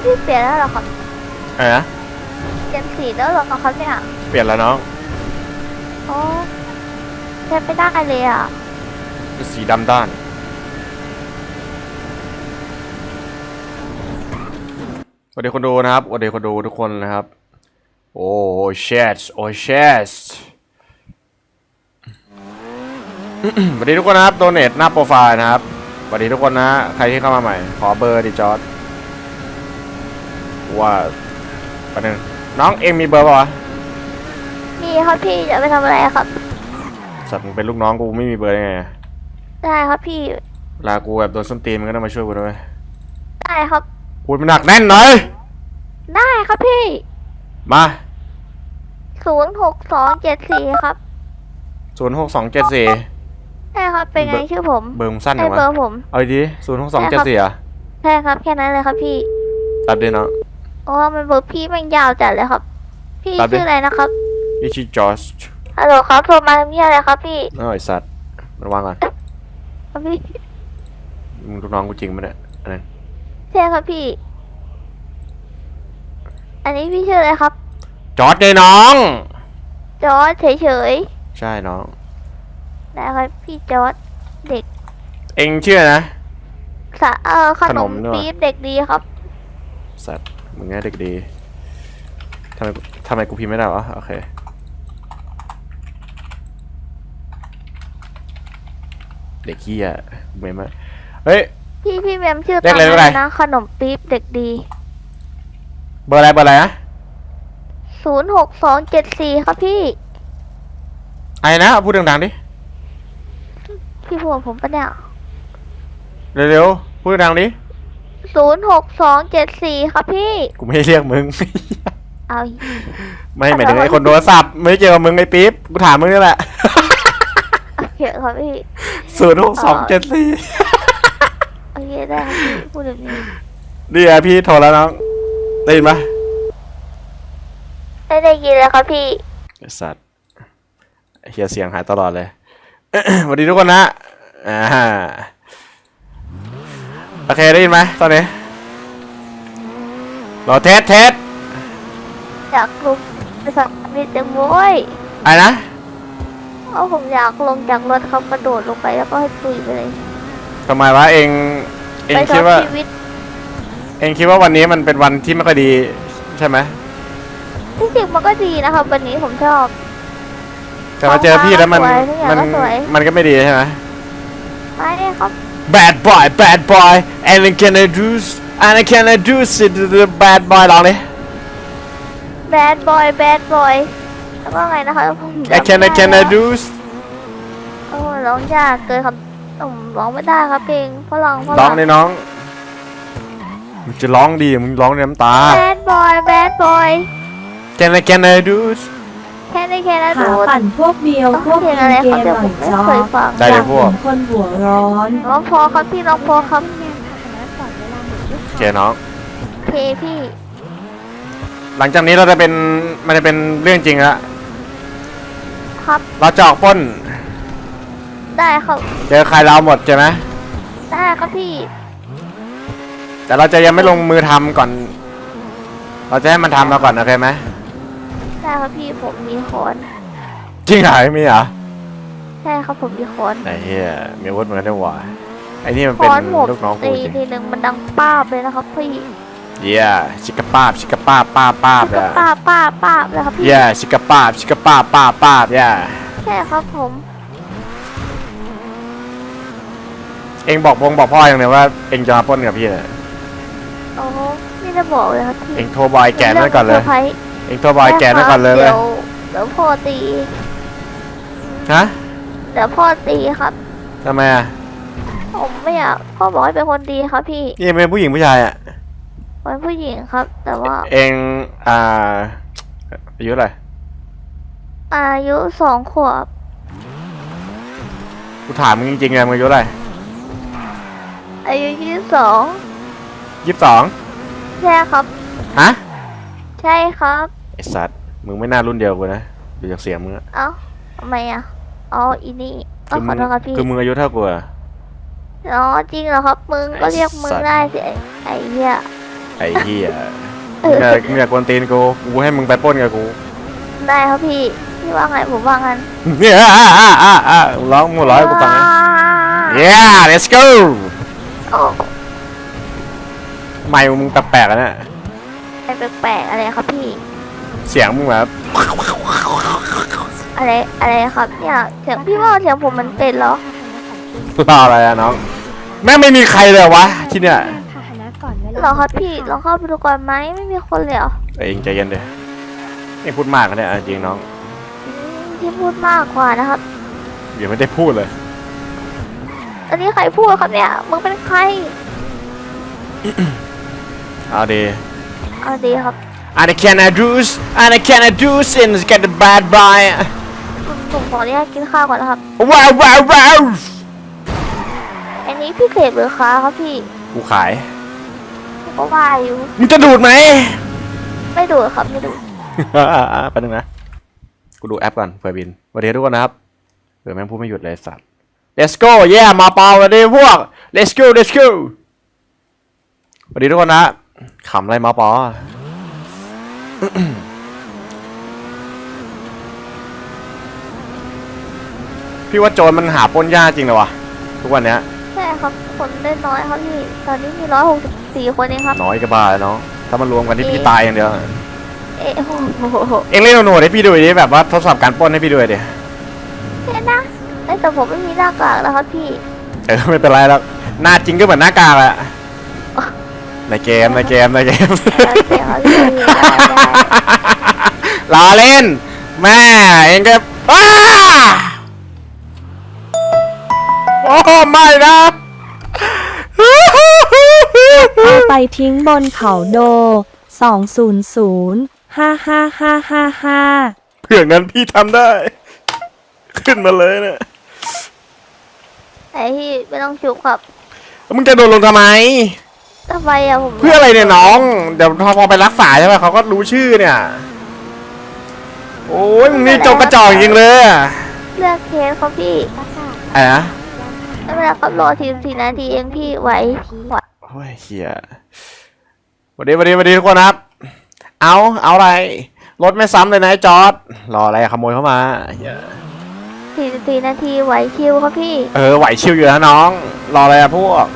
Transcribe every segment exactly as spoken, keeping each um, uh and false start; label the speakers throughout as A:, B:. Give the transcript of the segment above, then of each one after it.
A: พี่เปลี่ยนแล้วเหรอครับ
B: อะไรนะ
A: เปลี่ยนสีแล้วเหรอครับเนี่ย
B: เปลี่ยนแล้วน้อง
A: โอ้ใช้ไม่ได้เลยอ่ะ
B: เป็นสีดำด้านสวัสดีคนดูนะครับสวัสดีคนดูทุกคนนะครับโอ้เชสโอ้เชสสวัสดีทุกคนนะครับโดเนทหน้าโปรไฟล์นะครับสวัสดีทุกคนนะใครที่เข้ามาใหม่ขอเบอร์ดิจอร์ดว่าประเด็นน้องเอ็มมีเบอร์ป่าวะ
A: มีครับพี่จะไปทำอะไรครับ
B: สัตว์มึงเป็นลูกน้องกูไม่มีเบอร์ได้ไง
A: ได้ครับพี่
B: ลากูแบบโดนส้นตีนมึงก็ต้องมาช่วยกูด้วย
A: ได้ครับ
B: พูดมันหนักแน่นหน่อย
A: ได้ครับพี่
B: มา
A: ศูนย์หกสองเจ็ดสี่ครับ
B: ศูนย์หกสองเจ็ดสี่
A: ใช่ครับเป็นไงชื่อผม
B: เบอร์มึงสั้นจังวะ
A: เบอร์ผม
B: เอาดีศูนย์หกสองเจ็ดสี่อ่ะ
A: ใช่ครับแค่นั้นเลยครับพี่
B: ตัดดิเนาะ
A: โอ้มันเบอร์พี่มันยาวจัดเลยครับพี่ชื่ออะไรนะครับ
B: พี่ชื่อจอร์จ
A: ฮัลโหลครับโทรมาทำอะไรครับพี่
B: น้อยสัตว์ระวังก่อน
A: ครับพี่
B: มึงลูกน้องกูจริงมั้ยเนี่ยอะไร
A: ใช่ครับพี่อันนี้พี่ชื่ออะไรครับ
B: จอร์จไงน้อง
A: จอร์จเฉย
B: ๆใช่น้อง
A: ได้ครับพี่จอร์จเด็ก
B: เอ็งชื่อนะ
A: สะเออขนมปี๊บเด็กดีครับ
B: สัตว์มึงง่ายเด็กดีทำไมทำไมกูพิมพ์ไม่ได้วะโอเคเด็กขี้อ่ะเมมเฮ้ย
A: พี่พี่เมมชื่อตามนั้นนะขนมปี๊บเด็กดี
B: เบอร์อะไรเบอร์อะไรนะ
A: ศูนย์หกสองเจ็ดสี่ครับพี่
B: ไอ้นะพูดดังๆดิ
A: พี่พูดผมปะเนี่ย
B: เร็วๆพูดดังๆดิ
A: ศูนย์หกสองเจ็ดสี่ครับพี่
B: กูไม่เรียกมึง
A: เอา
B: ไม่หมายถึงไอ้คนโทรศัพท์ไม่เจอมึงไอ้ปิ๊บกูถามมึงนี่แหละ
A: โอเคครับพี่
B: ศูนย์หกสองเจ็ดสี่
A: โอเคได้ครับพี่พูดแบบนี้
B: ดีอะพี่โทรแล้วน้องได้ยินปะ
A: ได้ได้ยินเลยครับพี่
B: สัตว์เฮียเสียงหายตลอดเลยสวัสดีทุกคนนะอ่าโอเคได้ยินไหมตอนนี้รอเทสเทส
A: อยากลงไปสักนิดจังโว้ย
B: อะไรนะ
A: เพราะผมอยากลงจากรถเขากระโดดลงไปแล้วก็ให้ตุยไปเลย
B: ทำไมวะเองเองคิดว่าเองคิดว่าวันนี้มันเป็นวันที่ไม่ค่อยดีใช่ไหม
A: ที่จริงมันก็ดีนะครับวันนี้ผมชอบ
B: แต่มาเจอพี่แล้วมันมันมันก็ไม่ดีใช่ไหม
A: ไม่ครับ
B: bad boy bad boy and can I do and can I do it the bad boy ลองดิ
A: bad boy bad boy แล้วก็ไงนะคะผม
B: I can I can I do
A: โอ้ร้องยากเกินครับผมร้องไม่ได้ครับเพลงฝรั่งฝรั่ง
B: ร้องเลยน้องมึงจะร้องดีมึงร้องในน้ำตา
A: bad boy bad boy
B: can I can I do
A: แค่ได้แค่นั้นดู
C: ปั่นพวกเดียวพวกเกมหน่อยจ้า
B: ได้เลยพวก
C: คนหัวร้อน
A: น้องพอครับพี่น้องพอครับ
B: โอเคน้อง
A: เพพี่
B: หลังจากนี้เราจะเป็นมันจะเป็นเรื่องจริงแล้ว
A: ครับ
B: เราจะออกป้น
A: ได้ครับ
B: เจอใครเราหมดใช่ไหม
A: ได้ครับพี่
B: แต่เราจะยังไม่ลงมือทำก่อนเราจะให้มันทำมาก่อนโอเคไหม
A: ใช่ครับพี่ผมมีคอน
B: จริงเหรอมีเหรอ
A: ใช่ครับผมมีคอน
B: ไอ้เหี้ยมีอาวุธเหมือนกันได้หว่าไอ้นี่มันเป็นลูกน้องกูจริง
A: ทีหนึ่งมันดังป้าบเลยนะครับพี่
B: เย่ชิกะป้าบชิกะป้าบป้าบป้าบเลย
A: ป้าบป้าบป้าบเลยครับพี่
B: เย่ชิกะป้าบชิกะป้าบป้าบป้าบเย่
A: ใช่ครับผม
B: เอ็งบอกพงบอกพ่ออย่างเดียวว่าเอ็งจะมาปล้นกับพี่เลย
A: โอ้ไม่ได้บอกเลยครับพี่
B: เอ็งโทรบอยแกนั่นก่อนเลยเอ็งโทรบอยแกนั่นก่อนเลย
A: เดี๋ยวเดี๋ยวพ่อตี
B: ฮะ
A: เดี๋ยวพ่อตีครับ
B: ทำไมอ่ะ
A: ผมไม่อยากพ่อบอกให้เป็นคนดีครับพี่
B: นี่เป็นผู้หญิงผู้ชายอ่ะ
A: เป็นผู้หญิงครับแต่ว่า
B: เอ็งอ่าอายุอะไร
A: อายุสองขวบ
B: กูถามมึงจริงๆไงมึงอายุอะไร
A: อายุยี่สิบสอง
B: ยี่สิบสอง
A: ใช่ครับ
B: ฮะ
A: ใช่ครับ
B: ไอสัตว์มึงไม่น่ารุ่นเดียวกูนะดูจากเสียงมึงอะ
A: เอ้าทำไมอ่ะอ๋ออีนี่ก็ขอโทษครับพี่
B: คือมึงอายุเท่ากูอะ
A: อ๋อจริงเหรอครับมึงก็เรียกมึงได้สิไอ้เหี้ย
B: ไอ้เหี้ยมึงอยากมึงอยากกวนตีนกูกูให้มึงไปปล้นกับกู
A: ได้ครับพี่พี่ว่าไงผมว่างั้น
B: เนี่ยอ่าอ่าอ่าอ่าร้องหมดร้อยกูฟังนะ yeah let's go
A: โอ้
B: ไม่มึงแปลกๆอะเนี่ย
A: อะไรแปลกๆอะไรครับพี่
B: เสียงมึงแบบ
A: อะไรอะไรครับเนี่ยเสียงพี่ว่าเสียงผมมันเป็นเหรอ
B: รออะไรอะน้องแม่งไม่มีใครเลยวะที่เนี่ย
D: พาหนะก่อนเวลา
A: เหรอครับพี่ลองเข้าไปดูก่อนไหมไม่มีคนเลยเหรอ
B: เอ้ยเองใจเย็นเดี๋ยวไม่พูดมากนะเนี่ยจริงน้อง
A: อืมที่พูดมากกว่านะครับ
B: เดี๋ยวไม่ได้พูดเลย
A: อันนี้ใครพูดครับเนี่ยมึงเป็นใคร
B: เอาดี
A: เอาดีครับ
B: and I cannot do and I cannot do since get the bad boy
A: ผมผมขออนุญาตกินข้าวก่อนนะครับ
B: ว้าวว้าวว้าว
A: อันนี้พี่เสพหรือค้าครับพี่
B: กูขาย
A: ผมก็ว่าอยู่
B: มึงจะดูดไหม
A: ไม่ดูดครับไม่ดูด
B: แป๊บนึงนะ กูดูแอปก่อนเผื่อบินสวัสดีทุกคนนะครับเผื่อแม่งพูดไม่หยุดเลยสัตว์ let's go yeah มาเปล่าสวัสดีพวก let's go let's go สวัสดีทุกคนนะขำอะไรมาปอ พี่ว่าโจรมันหาปล้นยากจริงเลยวะทุกวันเนี้ย
A: ใช่ครับคนได้น้อยครับพี่ตอนนี้มีร้อยหกสิบสี่คนเองครับ
B: น้อยก็บ้าแล้วเนาะถ้ามันรวมกันที่พี่ตายอย่างเดียว
A: เอ๊ะโอ้โห
B: เอ็งเล่นโหนดให้พี่ดูดิแบบว่าทดสอบการปล้นให้พี่ดูดิ
A: เห็นนะแต่ผมไม่มีหน้ากากแล้วครับพี่
B: เออไม่เป็นไรแล้วหน้าจริงก็เหมือนหน้ากากแหละในเกมในเกมในเกม
A: โอเคครับพี่ได้ได้
B: ล้อเล่นแม่เองก็อ้าโอ้ไม่นะ
C: เอาไปทิ้งบนเขาโด สองศูนย์ศูนย์ ห้าห้าห้าห้าห้า
B: เพื่องั้นพี่ทำได้ ขึ้นมาเลยเนี่ย
A: ไอ้พี่ไม่ต้องชุบครับ
B: มึงจะโดนลงทำไม
A: ทำไมอะผม
B: เพื่ออะไรเนี่ยน้องเดี๋ยวพอไปรักษาใช่ไหมเขาก็รู้ชื่อเนี่ยโอ้ยมึงนี่จงกระจอกจริงเลยอะ
A: เลือกเคสครับพี่
B: อะไรนะ
A: ไม่เป็นไรครับรอทีมสี่นาทีเองพี่ไหวไหว
B: โอ้ยเฮียสวัสดีสวัสดีสวัสดีทุกคนครับ เอาเอาอะไรรถไม่ซ้ำเลยนะไอ้จอร์ดรออะไรขโมยเข้ามาเหี้ย
A: สี่สี่นาทีไหวคิวครับพี่
B: เออไหวชิวอยู่นะน้อง รออะไรอะพวก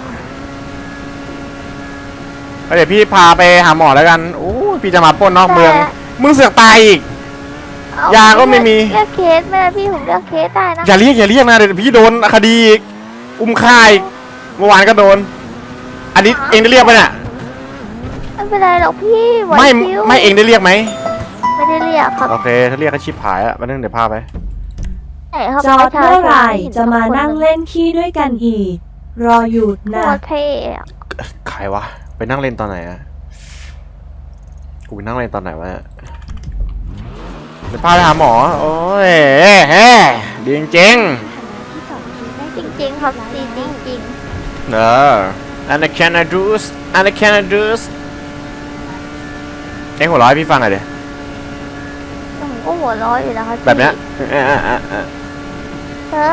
B: เดี๋ยวพี่พาไปหาหมอแล้วกันโอ้ยพี่จะมาปล้นนอกเมือง มึงเสือกตายอีก
A: เอ้
B: ยาก็ไม่มี
A: เลือกเคสไม่ได้พี่ผมเลือกเคสได้นะ
B: อย่าเรียกอย่าเรียกนะเดี๋ยวพี่โดนคดีอีกอุ้มฆ่าอีกเมื่อวานก็โดน อันนี้เองได้เรียกไหมเนี่ย
A: ไม่เป็นไรหรอกพี่ไหว
B: ไม่
A: คิว
B: ไม่เองได้เรียกไหม
A: ไม่ได้เรียกครับ
B: โอเคถ้าเรียกก็ชิบหายอะมาเรื่องเดี๋ยวพาไป
A: ไหนครับ
C: จอดเมื่อไหร่จะมานั่งเล่นขี้ด้วยกันอีก รออยู่
A: โค
C: นะ
A: ตรเท่อะ
B: ใครวะไปนั่งเล่นตอนไหนอะกูไปนั่งเล่นตอนไหนวะเนี่ยเดี๋ยวพาไปหาหมอโอ้ยเฮ้ดีจริง
D: ที่สองทีได้
A: จริงๆครับดีจริง
B: ๆเออ and I can do and I can do เอ็งหัวเร้อยพี่ฟังหน่อยดิ
A: ๆผมก็หัวเร้อยอยู่นะครับ
B: แบบเนี้ย
A: พี่
B: เออเออเออเออ
A: เออ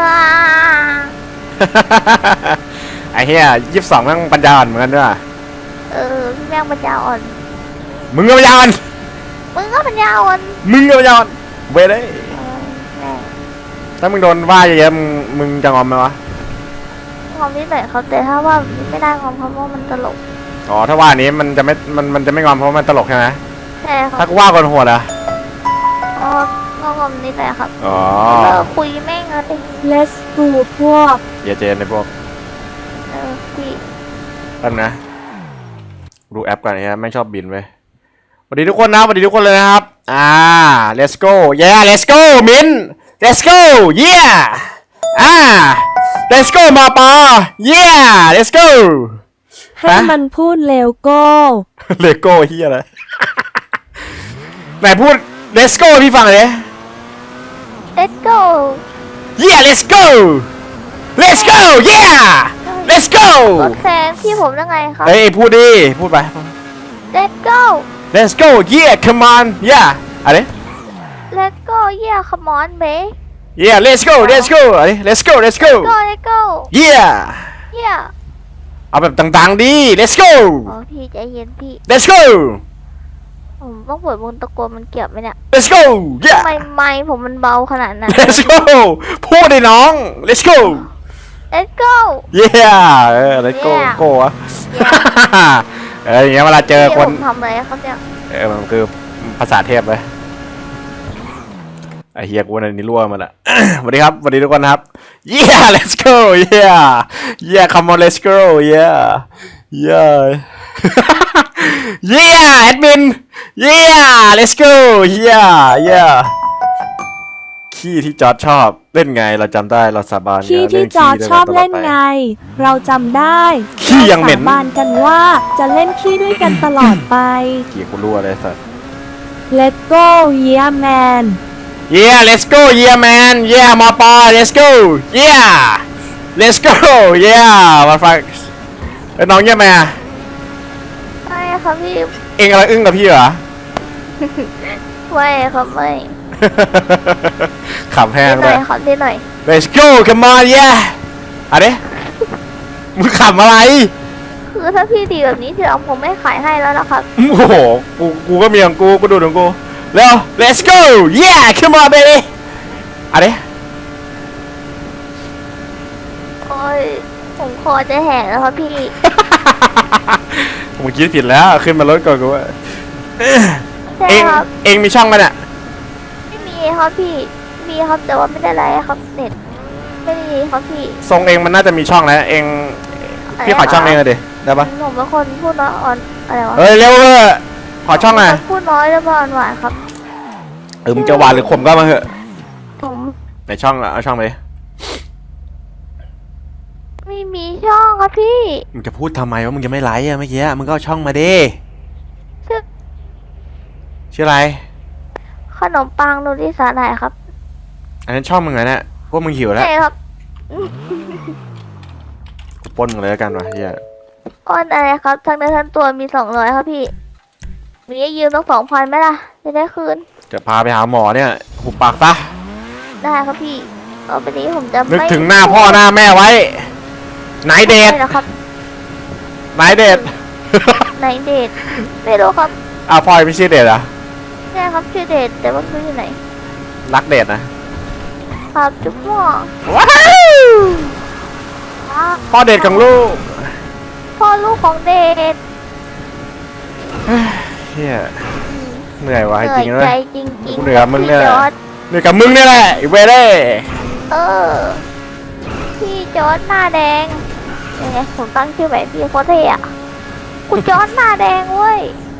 B: ไอ้เหี้ยยี่สิบสองแม่งปัญญาอ่อนเหมือนกันด้วย
A: เออพี่แม่งปัญญาอ่อน
B: มึงก็ปัญญาอ่อน
A: มึงก็ปัญญาอ่อน
B: มึงก็ปัญญาอ่อนเว้ยเลย
A: เออแม่ง
B: ถ้ามึงโดนว่าเยอะๆมึงมึงจะงอมไหมวะ
A: ความนิดหน่อยครับแต่ถ้าว่าไม่ได้ความเพราะว่ามันตลก
B: อ๋อถ้าว่านี้มันจะไม่มันมันจะไม่งอมเพราะมันตลกใช่ไหม
A: ใช่ค
B: ถ้า
A: รับ
B: กูว่าคนโหดอะ
A: อ๋อก็ความนิดหน่อยครับ
B: อ๋อ
A: เออคุยแม่งเลย
C: Let's go พวก
B: อย่าเจนในพวก
A: เออพี่
B: ตั้งนะดูแอปก่อนนะไม่งชอบบินเว้ยสวัสดีทุกคนนะสวัสดีทุกคนเลยนะครับอ่า let's go yeah let's go มิน let's go yeah อ่า let's go มาปอ yeah let's go
C: ให้มันพูดเร็วโก้
B: เลโก้เฮียอะไร ไหนพูด let's go พี่ฟังเลย
A: let's go
B: yeah let's go let's go yeah let's go
A: รถแฟนพี่ผมยังไงครับ
B: เฮ้ยพูดดิพูดไป
A: let's go
B: let's go yeah come on yeah อะไร
A: let's go yeah come on babe
B: yeah let's go let's go อะไร let's go let's go
A: go let's go
B: yeah
A: yeah
B: เอาแบบดังๆดิ let's go
A: อ๋อพี่ใจเย็นพี่
B: let's go
A: ผมต้องเปิดวงตะโกนมันเกี่ยวไหมเนี่ย
B: let's go yeah
A: ทำไมไมค์ผมมันเบาขนาดนั้น
B: let's go พูดเลยน้อง let's go
A: Let's go
B: yeah เออ let's go
A: Yeah
B: go อะ เอออย่างเงี้ยเวลาเจอคน
A: พี่ผมทำอะไรครับเนี่ย
B: เออมันคือภาษาเทพเลยไอเฮียกูในนี้รั่วมาละ สวัสดีครับสวัสดีทุกคนนะครับ yeah let's go yeah yeah come on let's go yeah yeah yeah admin yeah let's go yeah yeah ขี้ที่จอร์จชอบเล่นไงเราจำได้เราสาบาน
C: ขี้ที่จอร์จชอบเล่นไง เราจำได้
B: ขี้ยังเหม็น
C: ราสาบานกันว่าจะเล่นขี้ด้วยกันตลอดไป
B: ขี้กูรั่วเลยสัส
C: Let's go yeah man
B: Yeah, let's go, yeah, man. Yeah, my boy, let's go. Yeah, let's go. Yeah, my fuck. เอ้ยน้องเยี่ยมไหมอะ
A: ไม่ครับพี่
B: เอ็งอะไรอึ้งกับพี่เหรอ
A: ไม่ครับไม่
B: ขับแห้ง
A: นิดห
B: เล
A: น่อย ยครับนิดหน่อย
B: Let's go, come on, yeah. อะเด้มึงขับอะไร
A: คือถ้าพี่ดีแบบนี้ทีหลังผมไม่ขายให้แล้วนะครับ
B: โอ้โห กู กูก็มีของกู กูดูของกูเร็ว let's go yeah come on baby อะเด้
A: โอ้ยผมคอจะแหกแล้วครับพี่
B: มึงคิดผิดแล้ว ขึ้นมารถก่อนกูว่า
A: ใช่
B: เอ็ง
A: ครับ
B: เอ็งมีช่องไหมเนี่ย
A: ไม่มีครับพี่มีครับแต่ว่าไม่ได้ไลฟ์ครับเน็ตไม่มีครับพี่
B: ทรงเอ็งมันน่าจะมีช่องแล้ว เอ็งพี่ขอช่องเองเลยดิ ได้ปะ
A: ผมเป็นคนพูดน้อยอ่อนอะไรวะ
B: เฮ้ยเร็วเว้ยขอช่องหน่อย
A: ผมเป็นคนพูดน้อยแล้วก็อ่อนหวานครับ
B: เออมึงจะหวานหรือขมก็มาเถอะ
A: ผม
B: ไหนช่องอะเอาช่องไปดิ
A: ไม่มีช่องครับพี่
B: มึงจะพูดทำไมว่ามึงจะไม่ไลค์อะเมื่อกี้อะมึงก็เอาช่องมาดิ
A: ชื่อ
B: ชื่ออะไร
A: ขนมปังนูริสาหร่ายครับ
B: อันนั้นช่องมึงเหรอเนี่ยพวกมึงหิวแล้ว
A: ใช่ครับ
B: กูปล้นมึงเลยแล้วกันวะเฮีย
A: อ้อนอะไรครับทั้งเนื้อทั้งตัวมีสองร้อยครับพี่มีให้ยืมต้องสองพันไหมล่ะจะได้คืน
B: จะพาไปหาหมอเนี่ยหุบปากซะ
A: ได้ครับพี่ต่อไปนี้ผมจะ
B: นึก
A: ไม่
B: ถึงหน้าพ่อหน้าแม่ไว้ไหนเดท
A: ไม่นะครับ
B: ไหนเดท
A: ไหนเดทไม่รู้ครับ
B: อ้าวพ่อไม่ชื่อเดทเหรอะ
A: ใช่ครับชื่อเดทแต่ว่าไม่รู้อยู่ไหน
B: รักเดทนะครับ
A: จุ๊บม่วง
B: ว้าวพ่อเดทของลูก
A: พ่อลูกของเดท
B: เฮียเหนื่อยวะ
A: เห
B: จ
A: นื่
B: ริ
A: อย
B: งๆเล
A: ใจ
B: ย
A: จริง
B: กู
A: ๆ
B: เหนื่อยกับมึงเนี่ย
A: พี่จอร์ด
B: เหนื่อยกับมึงเนี่ยแหละไอ้เวเล่
A: เออพี่จอร์ดหน้าแดงยังไงผมตั้งชื่อแบบพี่โคตรเท่อะคุณจอร์ดหน้าแดงเว้ย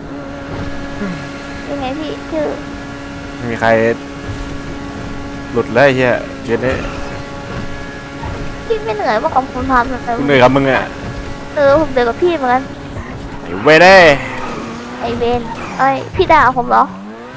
A: ยังไงพี่ชื่อ
B: ไม่มีใครหลุดเลยเฮียเกมนี้
A: พี่ไม่เหนื่อยว่าของผมทำแต่
B: กูเหนื่อยกับมึงอะ
A: เออผมเดือดกับพี่เหมือนกัน
B: ไอ้เวเล่
A: ไอเวนไอยพี่ด่าผมเหรอ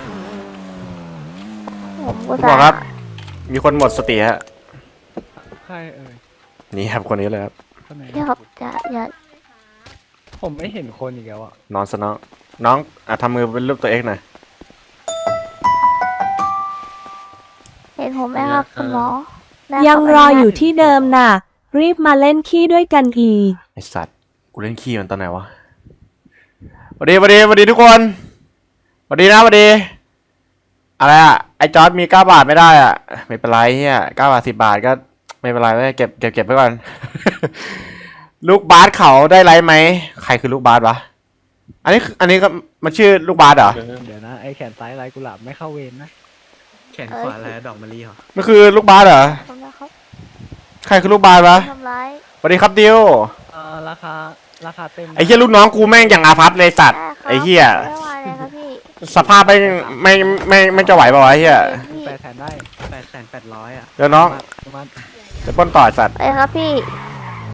A: ผมก็
B: คุณหมอครับ มีคนหมดสติฮะ
E: ใครเอ่ย
B: นี่ครับคนนี้เลยครับ
E: คนไหน
A: พี่ครับจะอย่า
E: ผมไม่เห็นคนอีกแล้วอ่ะ
B: นอนซะน้องน้องอ่ะทำมือเป็นรูปตัวเองหน่อย
A: เห็นผมไหมครับคุณหมอได้
C: ยัง
A: คบ
C: รออยู่ที่เดิมน่ะ รีบมาเล่นขี้ด้วยกันอีก
B: ไอสัตว์กูเล่นขี้มันตอนไหนวะสวัสดีสวัสดีสวัสดีทุกคนสวัสดีนะสวัสดีอะไรอ่ะไอจอร์ดมีเก้าบาทไม่ได้อ่ะไม่เป็นไรเฮียเก้าบาทสิบบาทก็ไม่เป็นไรไม่เก็บเก็บเก็บไว้ก่อน ลูกบาสเขาได้ไลฟ์ไหมใครคือลูกบาสวะอันนี้อันนี้ก็มันชื่อลูกบาสเหรอ
E: เดี๋ยวนะ ไอแขนซ้ายลายกุหลาบไม่เข้าเวรนะ
F: แขนขวาอะไรดอกมะลิเหรอ
B: มันคือลูกบาสเหรอ
A: ขอบคุณนะครับ
B: ใครคือลูกบาสวะ
A: ทำร้าย
B: สวัสดีครับดิว
E: เอ่อราคาราคาเต็มนะ
B: ไอ้เหี้ยลูกน้องกูแม่งอย่างอาภัพเลยสัตว์
A: ได้ครับ
B: ไอ้เหี้ย
A: ไม่ว่าเลยครับพี่
B: สภาพไม่ไม่ไม่ไม่จะไหวป่าวะไอ้เหี้ย
A: พี่
E: แปดแสนได้
F: แปดแสนแปดร้อยอ่ะ
B: เดี๋ยวน้อง
E: ประมาณ
B: จะปล้นต่อไอ้สัตว์
A: ไปครับพี่
E: ป